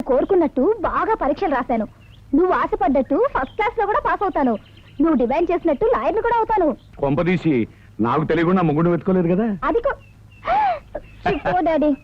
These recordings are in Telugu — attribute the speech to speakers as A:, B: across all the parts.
A: కోరుకున్నట్టు బాగా పరీక్షలు రాశాను. నువ్వు ఆశపడ్డట్టు ఫస్ట్ క్లాస్ లో కూడా పాస్ అవుతాను. నువ్వు డిమాండ్ చేసినట్టు లాయర్లు కూడా అవుతాను.
B: కొంపదీసి నాకు తెలియకుండా ముగ్గురు వెతుకోలేదు కదా.
A: అది డాడీ.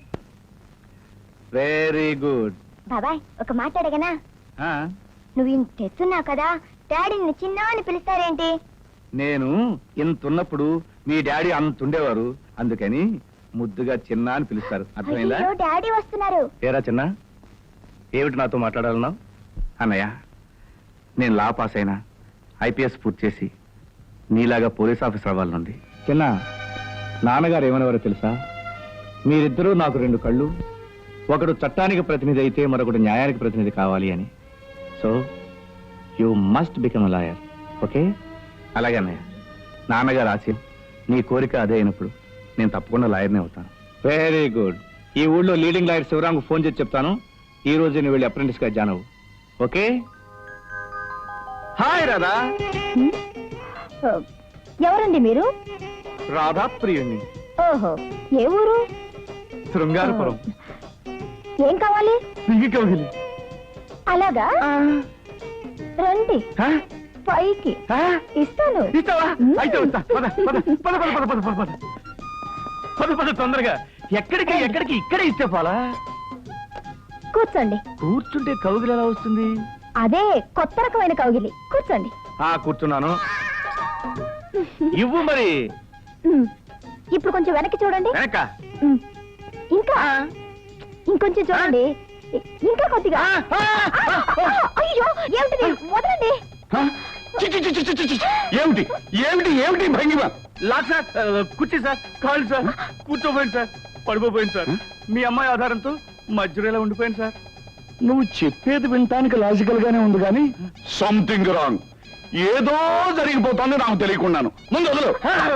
B: Very good.
A: బాబాయ్ ఒక మాట అడగనా? నువ్వు ఇంత తెస్తున్నావు కదా, డాడీని చిన్న అని పిలుస్తారేంటి?
B: నేను ఇంతున్నప్పుడు మీ డాడీ అంతుండేవారు, అందుకని ముద్దుగా చిన్న అని పిలుస్తారు. అర్థమైందా?
A: డాడీ వస్తున్నారు.
B: ఏరా చిన్న, ఏమిటి నాతో మాట్లాడాలన్నావు? అన్నయ్య, నేను లా పాస్ అయినా ఐపీఎస్ పూర్తి చేసి నీలాగా పోలీస్ ఆఫీసర్ అవ్వాలనుంది. చిన్న, నాన్నగారు ఏమనేవారో తెలుసా? మీరిద్దరూ నాకు రెండు కళ్ళు, ఒకడు చట్టానికి ప్రతినిధి అయితే మరొకడు న్యాయానికి ప్రతినిధి కావాలి అని. So you must become lawyer. Okay? అలాగే అన్నయ్య, నాన్నగారు ఆశయం, నీ కోరిక అదే అయినప్పుడు నేను తప్పకుండా లాయర్నే అవుతాను. Very good. ఈ ఊళ్ళో లీడింగ్ లాయర్ శివరాంకు ఫోన్ చేసి చెప్తాను, ఈ రోజు నువ్వు వెళ్ళి అప్రెంటిస్ గా జాయిన్ అవ్వు. ఓకే? హాయ్ రాధా.
A: ఎవరండి మీరు?
B: రాధా ప్రియుణ్ణి.
A: ఓహో, ఏ ఊరు?
B: శృంగారపురం.
A: ఏం కావాలి?
B: కౌగిలి.
A: అలాగా, రండి పైకి ఇస్తాను.
B: ఇస్తావా? అయితే వస్తా. పద పద పద పద పద పద పద పద పద తొందరగా. ఎక్కడికి ఎక్కడికి? ఇక్కడే ఇస్తే పోలా.
A: కూర్చోండి.
B: కూర్చుంటే కౌగిలి ఎలా వస్తుంది?
A: అదే కొత్త రకమైన కౌగిలి. కూర్చోండి.
B: కూర్చున్నాను. ఇవ్వు మరి.
A: ఇప్పుడు కొంచెం వెనక్కి చూడండి.
B: వెనక
A: ఇంకా ఇంకొంచెం చూడండి. ఇంకా కొద్దిగా. అయ్యో, ఏమిటిది? వదలండి.
B: ఏమిటి ఏమిటి ఏమిటి భంగిమ? లాక్ సార్, కుర్చీ సార్, కాళ్ళు సార్, కూర్చోపోయింది సార్, పడిపోయింది సార్. మీ అమ్మాయి ఆధారంతో మధ్యలో ఇలా ఉండిపోయింది సార్. నువ్వు చెప్పేది వినటానికి లాజికల్ గానే ఉంది కానీ సంథింగ్ రాంగ్. ఏదో జరిగిపోతుంది నాకు తెలియకున్నాను. ముందు వదలు.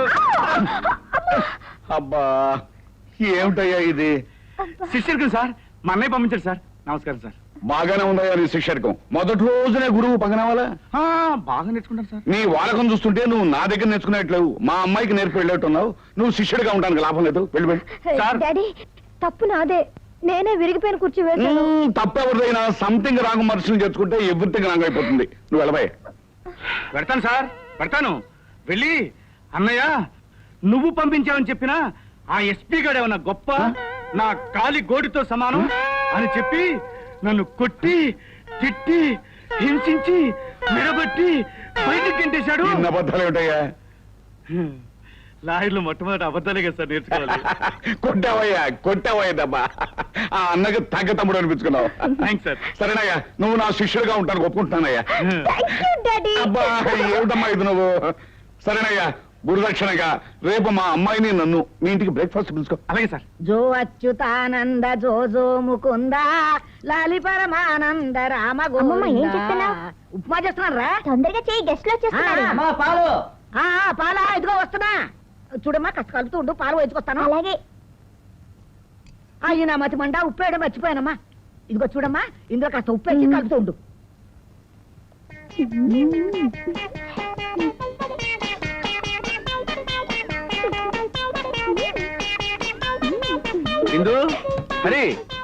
B: అబ్బా, ఏమిటయ్యా ఇది? శిష్యుడికి సార్, మా అన్నయ్య పంపించారు సార్. నమస్కారం సార్. బాగానే ఉందయ్యా నీ శిష్యర్కం. మొదటి రోజునే గురువు పగనవాలా? బాగా నేర్చుకుంటాను సార్. నీ వాడకం చూస్తుంటే నువ్వు నా దగ్గర నేర్చుకునేట్లేవు, మా అమ్మాయికి నేర్పి వెళ్ళేట్టున్నావు. నువ్వు శిష్యుడిగా ఉండడానికి లాభం లేదు. వెళ్ళి వెళ్ళి.
A: డాడీ, తప్పు నాదే. నేనే విరిగిపోయిన కుర్చీ వేశాను.
B: తప్పెవరిదైనా సంథింగ్ రాంగ్ మనుషులు చేసుకుంటే ఎవ్రీథింగ్ రాంగ్ అయిపోతుంది. నువ్వు వెళ్ళబాయ్. పెడతాను సార్, పెడతాను. వెళ్ళి అన్నయ్య నువ్వు పంపించావని చెప్పినా ఆ ఎస్పీ గారు ఏమన్నా గొప్ప, నా కాలి గోడితో సమానం అని చెప్పి నన్ను కొట్టి తిట్టి హింసించి నిలబెట్టి బయటికి గెంటేశాడు. అబద్ధాలు ఏమిటయ్యా? లాయర్లు మొట్టమొదటి అబద్ధాలే కదా సార్ నేర్చుకోవాలి. కొట్టావయ్యా కొట్టావయ్యా దబ్బా. ఆ అన్నకు తగ్గ తమ్ముడు అనిపించుకున్నావు. Thanks sir. సరేనయ్యా, నువ్వు నా శిష్యుడిగా ఉంటాను ఒప్పుకుంటున్నానయ్యా. అబ్బా, ఏమిటమ్మా ఇది నువ్వు? సరేనయ్యా, గురుదక్షిణగా రేపు మా అమ్మాయిని నన్ను మీ ఇంటికి బ్రేక్ఫాస్ట్ పిలుచుకో. అలాగే సార్.
C: జో అచ్యుతానంద జో జో ముకుంద లాలి పరమానంద రామ గోవింద.
A: ఏం చెప్తున్నావు?
C: ఉప్మా చేస్తున్నారా?
A: తొందరగా చేయి, గెస్ట్ లో వచ్చేస్తున్నారు.
C: పాలు. పాలా, ఇదిగో వస్తున్నా. చూడమ్మా, కష్ట కలుపుతూ ఉండు, పాలు వేసుకొస్తాను.
A: అలాగే.
C: అయ్యి నా మతి మండ, ఉప్పు వేయడం మర్చిపోయానమ్మా. ఇదిగో చూడమ్మా, ఇందులో కాస్త ఉప్పు వేసి కలుపుతూ ఉండు.
B: ఇందు, హరి,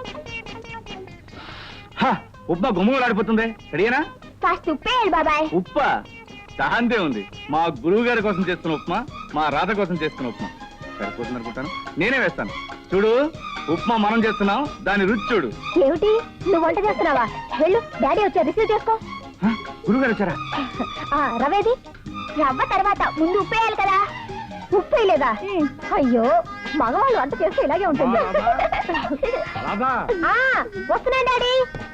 B: ఉప్మా గుమ్మలాడిపోతుంది. రెడీనా?
A: కాస్త ఉప్పేయాలి బాబాయ్.
B: ఉప్ప దాంతే ఉంది. మా గురువు గారి కోసం చేస్తున్న ఉప్మా, మా రాధ కోసం చేస్తున్న ఉప్మా సరిపోతుంది అనుకుంటాను. నేనే వేస్తాను. చూడు, ఉప్మా మనం చేస్తున్నాం, దాని రుచి చూడు.
A: ఏమిటి, నువ్వు వంట చేస్తున్నావా? వెళ్ళు, డాడీ వచ్చారు, రిసీవ్ చేసుకో.
B: గురువు గారు వచ్చారా?
A: రవేది? రవ్వ తర్వాత ముందు ఉప్పేయాలి కదా. ఉప్పు వేయలేదా? అయ్యో, మగవాళ్ళు వంట చేస్తే ఇలాగే ఉంటుంది. వస్తున్నా డాడీ.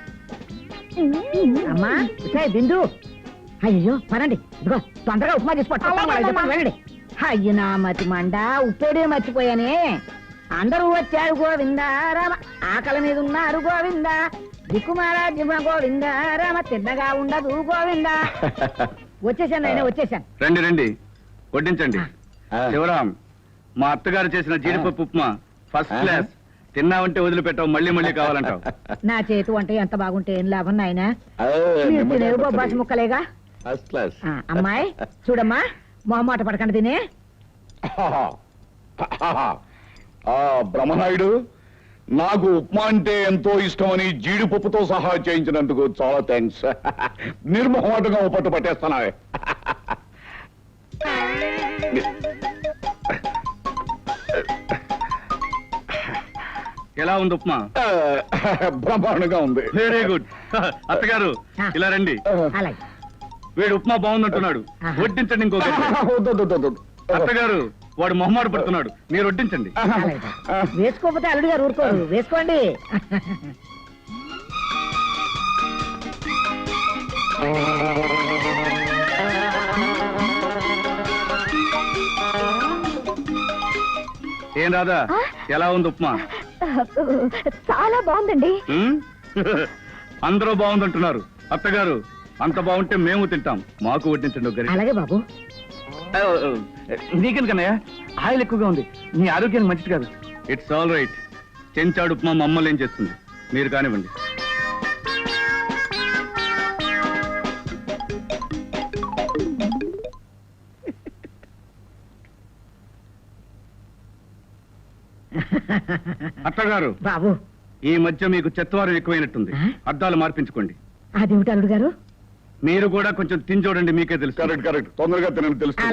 C: అమ్మా బిందు, అయ్యో పనండి. ఇదిగో తొందరగా ఉప్మా తీసుకుంటా. వెళ్ళండి. అయ్యి నా మతి మండ, ఉప్పేడే మర్చిపోయానే. అందరూ వచ్చారు గోవిందా రామ, ఆకలి మీద ఉన్నారు గోవిందా, దిక్కుమారా జిమ గోవిందా రామ, తిన్నగా ఉండదు గోవిందా. వచ్చేసాను ఆయన, వచ్చేసాను.
B: రండి రండి, వడ్డించండి. శివరాం, మా అత్తగారు చేసిన జీడిపప్పు ఉప్మా ఫస్ట్ క్లాస్. తిన్నావంటే వదిలిపెట్టావు, మళ్ళీ మళ్ళీ కావాలంటావు.
C: నా చేతి వంట ఎంత బాగుంటే ఏం లాభం నాయనా, తినేవి బొబ్బాసి ముక్కలేగా. అమ్మాయి చూడమ్మా, మొహమాట పడకండి తినే.
B: బ్రహ్మనాయుడు,
D: నాకు ఉప్మా అంటే ఎంతో ఇష్టమని జీడిపప్పుతో సహా చేయించినందుకు చాలా థ్యాంక్స్. నిర్మోహమాటంగా ఓ పట్టు పట్టేస్తానా?
B: ఎలా ఉంది ఉప్మా?
D: బ్రహ్మాండంగా ఉంది.
B: Very good. అత్తగారు ఇలా రండి.
C: అలాగే
B: వీడు ఉప్మా బాగుందంటున్నాడు,
C: ఆహా.
B: వడ్డించండి ఇంకో గరిటె.
D: వద్దు, వద్దు, వద్దు, వద్దు.
B: అత్తగారు వాడు మొహమాట పడుతున్నాడు, మీరు వడ్డించండి.
C: అలాగే వేసుకోకపోతే అల్లుడు గారు ఊరుకోరు, వేసుకోండి.
B: ఏం రాదా,
A: ఆ?
B: ఎలా ఉంది ఉప్మా?
A: చాలా బాగుందండి.
B: ఉమ్? అందరూ బాగుందంటున్నారు. అత్తగారు అంత బాగుంటే మేము తింటాం, మాకు వడ్డించండి ఒక గరిటె.
C: అలాగే బాబు.
B: నీకెందుకన్నయ్య, ఆయిల్ ఎక్కువగా ఉంది, నీ ఆరోగ్యానికి మంచిది కాదు. It's all right. చెంచాడు ఉప్మా మమ్మల్ని ఏం చేస్తుంది, మీరు కానివ్వండి. అత్తగారు
C: బాబు
B: ఈ మధ్య మీకు చెత్తవారం ఎక్కువైనట్టుంది,
C: ఆ?
B: అద్దాలు మార్పించుకోండి.
C: అదేమిటి అల్లుడు గారు?
B: మీరు కూడా కొంచెం తిని చూడండి, మీకే తెలుసు.
D: Correct, correct. తొందరగా తినని తెలుసు.